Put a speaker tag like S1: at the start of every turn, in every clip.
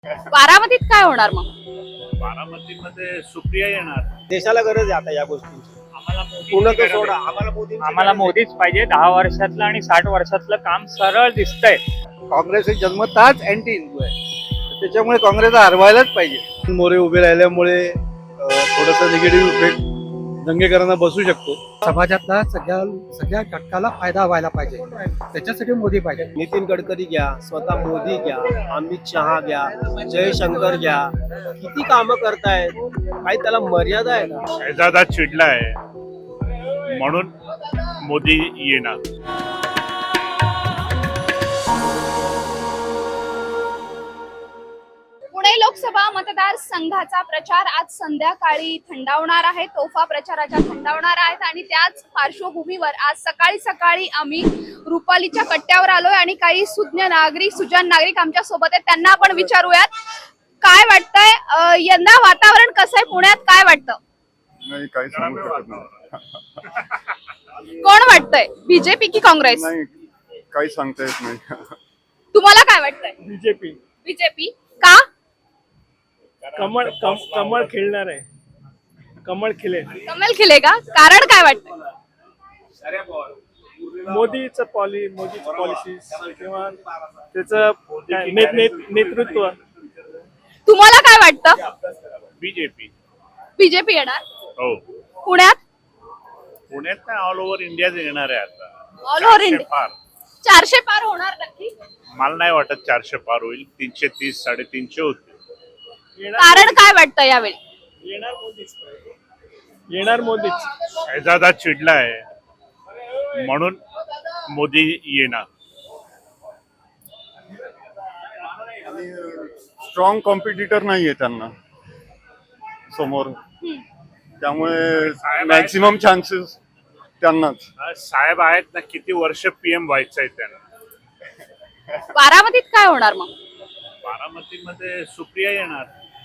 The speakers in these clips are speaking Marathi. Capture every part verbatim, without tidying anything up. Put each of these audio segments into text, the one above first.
S1: बारामतीत काय होणार मग?
S2: बारामतीमध्ये सुप्रिया येणार.
S3: देशाला गरज आहे आता या गोष्टींची.
S2: आम्हाला मोदी
S3: पूर्ण तो सोडा, आम्हाला मोदी
S4: आम्हाला मोदीच पाहिजे. दहा वर्षातलं आणि साठ वर्षातलं काम सरळ दिसतंय.
S5: काँग्रेस हे जन्मताच अँटी हिंदू आहे, तर त्याच्यामुळे काँग्रेसला हरवायलाच पाहिजे. मोरे उभे राहिल्यामुळे थोडस निगेटिव्ह इफेक्ट दंगेकरांना बसू शकतो.
S6: समाजातला सगळ्या सगळ्या घटकाला फायदा व्हायला पाहिजे, त्याच्यासाठी मोदी पाहिजे.
S3: नितीन गडकरी घ्या, स्वतः मोदी घ्या, अमित शहा घ्या, जयशंकर घ्या, किती कामं करतायत. काही त्याला मर्यादा आहे का?
S2: शहजादा चिडलाय म्हणून मोदी येणार.
S1: पुणे लोकसभा मतदार संघाचा प्रचार आज संध्याकाळी थंडावणार आहे. तोफा प्रचाराच्या थंडावणार आहेत आणि त्याच पार्श्वभूमीवर आज सकाळी सकाळी आम्ही रुपालीच्या कट्ट्यावर आलोय आणि काही सुज्ञ नागरिक सुजान नागरिक आमच्या सोबत आहेत. त्यांना आपण विचारूयात काय वाटतंय, अं, यंदा वातावरण कसं आहे पुण्यात, काय वाटतं?
S7: नाही, काही सांगू शकत नाही.
S1: कोण वाटतंय, बीजेपी की काँग्रेस?
S7: नाही, काही सांगता येत नाही.
S1: तुम्हाला काय वाटतंय?
S8: बीजेपी.
S1: बीजेपी का?
S8: कमळ कम, कमळ खेळणार आहे. कमळ खिले.
S1: कमल खिलेगा, कारण काय वाटतंय?
S8: मोदीचं पॉलि मोदीची पॉलिसीज किंवा त्याचं काय नेत- नेत- नेतृत्व.
S1: तुम्हाला काय वाटतं?
S2: बीजेपी.
S1: बीजेपी येणार
S2: हो,
S1: पुण्यात?
S2: पुण्यात नाही, ऑल ओव्हर इंडियाच येणार आहे आता.
S1: ऑल ओव्हर
S2: चारशे
S1: इंडिया
S2: पार.
S1: चारशे पार होणार नक्की?
S2: मला नाही वाटत चारशे पार होईल. तीनशे तीस साडेतीनशे होतील.
S1: कारण काय वाटतं यावेळी?
S8: येणार मोदीच. येणार मोदीच.
S2: शहजादा चिडलाय म्हणून मोदी येणार.
S7: स्ट्रॉंग कॉम्पिटिटर नाहीये त्यांना समोर, त्यामुळे मॅक्सिमम चान्सेस त्यांनाच.
S2: साहेब आहेत ना, किती वर्ष पीएम व्हायचंय त्यांना.
S1: बारामतीत काय होणार मग?
S2: बारामतीमध्ये सुप्रिया येणार.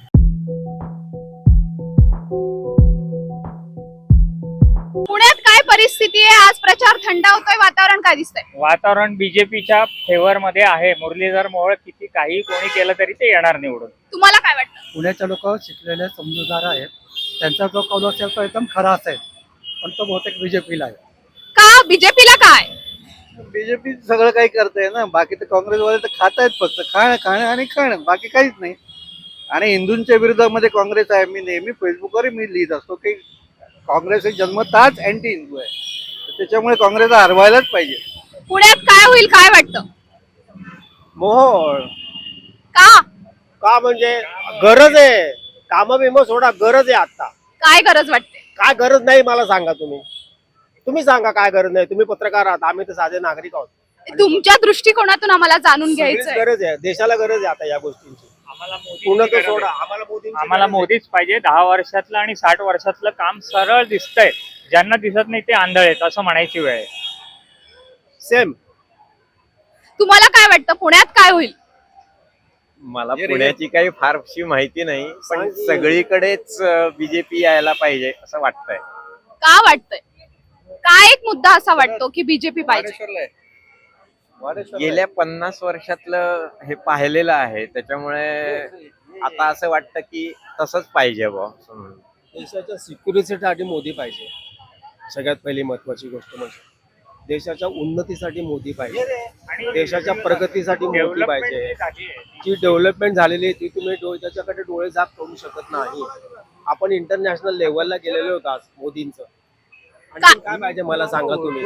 S1: पुण्यात काय परिस्थिती आहे? आज प्रचार थंडावतोय, वातावरण काय दिसतंय?
S4: वातावरण बीजेपीच्या फेवर मध्ये आहे. मुरलीधर मोहोळ किती काही कोणी केलं तरी ते येणार निवडून.
S1: तुम्हाला काय वाटतं?
S6: पुण्याचे लोक शिकलेले समजूतदार आहेत, त्यांचा जो कौल असेल तो एकदम खरा असेल, पण तो बहुतेक बीजेपीला आहे.
S1: का बीजेपीला काय?
S5: बीजेपी सगळं काही करताय ना, बाकी तर काँग्रेसवाले तर खातायत, फक्त खाणं खाणं आणि खाणं, बाकी काहीच नाही. आणि हिंदूंच्या विरोधामध्ये काँग्रेस आहे. मी नेहमी फेसबुकवर मी लिहित असतो की काँग्रेस हे जन्मताच अँटी हिंदू आहे, तर त्याच्यामुळे काँग्रेसला हरवायलाच पाहिजे.
S1: पुण्यात काय होईल, काय वाटतं?
S3: मोहोळ
S1: का?
S3: का म्हणजे गरज आहे. कामं बिमं सोडा, गरज आहे आता.
S1: काय गरज वाटते?
S3: काय गरज नाही मला सांगा. तुम्ही तुम्ही सांगा काय गरज नाही. तुम्ही पत्रकार आहात, आम्ही तर साधे नागरिक आहोत.
S1: तुमच्या दृष्टिकोनातून आम्हाला जाणून
S3: सगळीच
S1: घ्यायचंय.
S3: गरज आहे. देशाला गरज आहे आता या गोष्टींची.
S4: आम्हाला मोदी
S3: पूर्ण तो सोडा, आम्हाला मोदी
S4: आम्हाला मोदीच पाहिजे. दहा वर्षातलं आणि साठ वर्षातलं काम सरळ दिसतंय. ज्यांना दिसत नाही ते आंधळ आहेत असं म्हणायची वेळ आहे.
S3: सेम.
S1: तुम्हाला काय वाटतं पुण्यात काय होईल?
S9: मला पुण्याची काही फारशी माहिती नाही, पण सगळीकडेच बीजेपी यायला पाहिजे असं वाटतंय.
S1: का वाटतंय? काय एक मुद्दा असा वाटतो की बीजेपी पाहिजे?
S9: गेल्या पन्नास वर्षातलं हे पाहिलेलं आहे, त्याच्यामुळे आता असं वाटतं की तसंच पाहिजे बुवा.
S3: देशाच्या सिक्युरिटीसाठी मोदी पाहिजे. सगळ्यात पहिली महत्वाची गोष्ट म्हणजे देशाच्या उन्नतीसाठी मोदी पाहिजे. देशाच्या प्रगतीसाठी मोदी पाहिजे. जी डेव्हलपमेंट झालेली आहे ती तुम्ही डो- त्याच्याकडे डोळे झाक करू शकत नाही. आपण इंटरनॅशनल लेवलला गेलेलो होतो आज मोदींचं. आणि काय पाहिजे मला सांगा तुम्ही.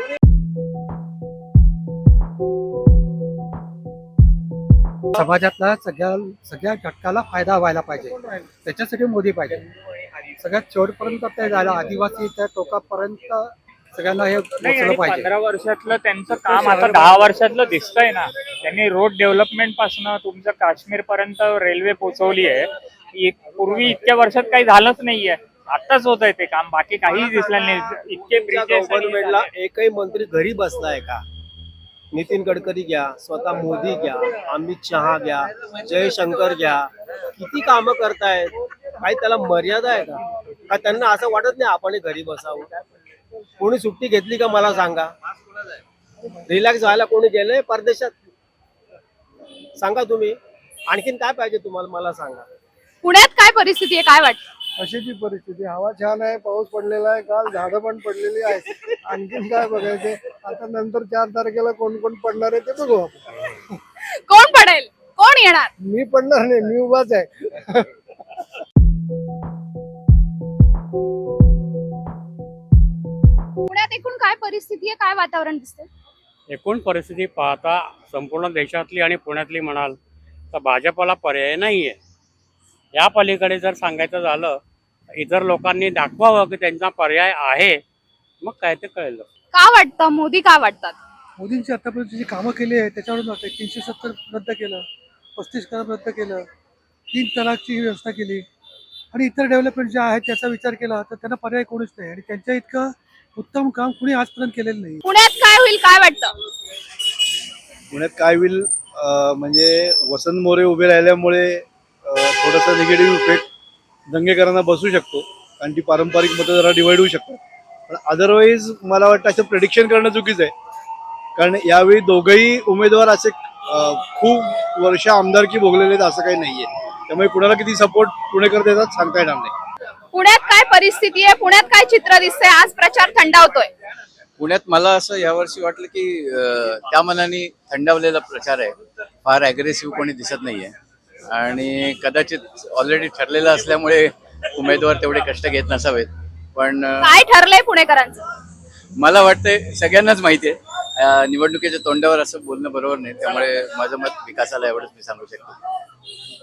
S6: समाजातला सगळ्या सगळ्या घटकाला फायदा व्हायला पाहिजे, त्याच्यासाठी मोदी पाहिजे. सगळ्यात शेवटपर्यंत ते झालं, आदिवासी त्या टोकापर्यंत सगळ्यांना हे
S4: नाही,
S6: पोचलं
S4: आणि
S6: पाहिजे.
S4: पंधरा वर्षातलं त्यांचं काम आता दहा वर्षातलं दिसतंय ना. त्यांनी रोड डेव्हलपमेंट पासून तुमचं काश्मीर पर्यंत रेल्वे पोहोचवली आहे. इ- पूर्वी इतक्या वर्षात काही झालंच नाहीये. आताच होत आहे ते काम, बाकी काहीच दिसलं नाही. इतके
S3: तुमच्या
S4: bridges आणि
S3: गव्हर्नमेंटला एकही मंत्री घरी बसलाय का? नितीन गडकरी घ्या, स्वतः मोदी घ्या, अमित शहा घ्या, जयशंकर घ्या, किती कामं करतायत. काही त्याला मर्यादा आहे का? का त्यांना असं वाटत नाही आपण घरी बसावं? कोणी सुट्टी घेतली का मला सांगा? रिलॅक्स व्हायला कोणी गेलंय परदेशात? सांगा तुम्ही. आणखीन काय पाहिजे तुम्हाला मला सांगा.
S1: पुण्यात काय परिस्थिती आहे, काय वाटतं?
S6: अशीची परिस्थिती, हवा छान आहे, पाऊस पडलेला आहे, काल झाडं पण पडलेली आहेत. आणखीन काय बघायचे, आता नंतर चार तारखेला कोण कोण पडणार आहे ते बघू आपण.
S1: कोण पडेल, कोण येणार?
S6: मी पडणार नाही, मी उभाच आहे.
S1: पुण्यात एकूण काय परिस्थिती आहे, काय वातावरण दिसतंय?
S10: एकूण परिस्थिती पाहता संपूर्ण देशातली आणि पुण्यातली म्हणाल तर भाजपला पर्याय नाही आहे. या पलीकडे जर सांगायचं झालं इतर लोकांनी दाखवावं की त्यांचा पर्याय आहे, मग काय ते कळलं.
S1: का वाटतं मोदी का वाटतात?
S6: मोदींची आतापर्यंत जी कामं केली आहे त्याच्यावरून वाटतं. तीनशे सत्तर रद्द केलं, पस्तीस करार रद्द केलं, तीन तलाकची व्यवस्था केली आणि इतर डेव्हलपमेंट जे आहेत त्याचा विचार केला तर त्यांना पर्याय कोणीच नाही आणि त्यांच्या इतकं उत्तम काम कुणी आजपर्यंत केलेलं नाही.
S1: पुण्यात काय होईल, काय वाटतं?
S5: पुण्यात काय होईल अं, म्हणजे वसंत मोरे उभे राहिल्यामुळे अं, थोडासा निगेटिव्ह इफेक्ट दंगेकरांना बसू शकतो कारण ती पारंपरिक मतं जरा डिवाइड होऊ शकतात. पण अदरवाईज मला वाटतं असं प्रेडिक्शन करणं चुकीचं आहे कारण यावेळी दोघंही उमेदवार असे अं, खूप वर्ष आमदारकी भोगलेले आहेत असं काही नाहीये. त्यामुळे कुणाला किती सपोर्ट पुणेकर देतात सांगता येणार नाही.
S1: पुण्यात काय परिस्थिती आहे, पुण्यात काय चित्र दिसतंय? आज प्रचार थंडावतोय.
S11: पुण्यात मला असं यावर्षी वाटलं की अं, त्या मनाने थंडावलेला प्रचार आहे, फार अग्रेसिव्ह कोणी दिसत नाहीये आणि कदाचित ऑलरेडी ठरलेलं असल्यामुळे उमेदवार तेवढे कष्ट घेत नसावेत. पण अं,
S1: काय ठरलंय पुणेकरांचं?
S11: मला वाटतंय सगळ्यांनाच माहिती आहे अं, निवडणुकीच्या तोंडावर असं बोलणं बरोबर नाही. त्यामुळे माझं मत विकासाला एवढंच मी सांगू शकतो.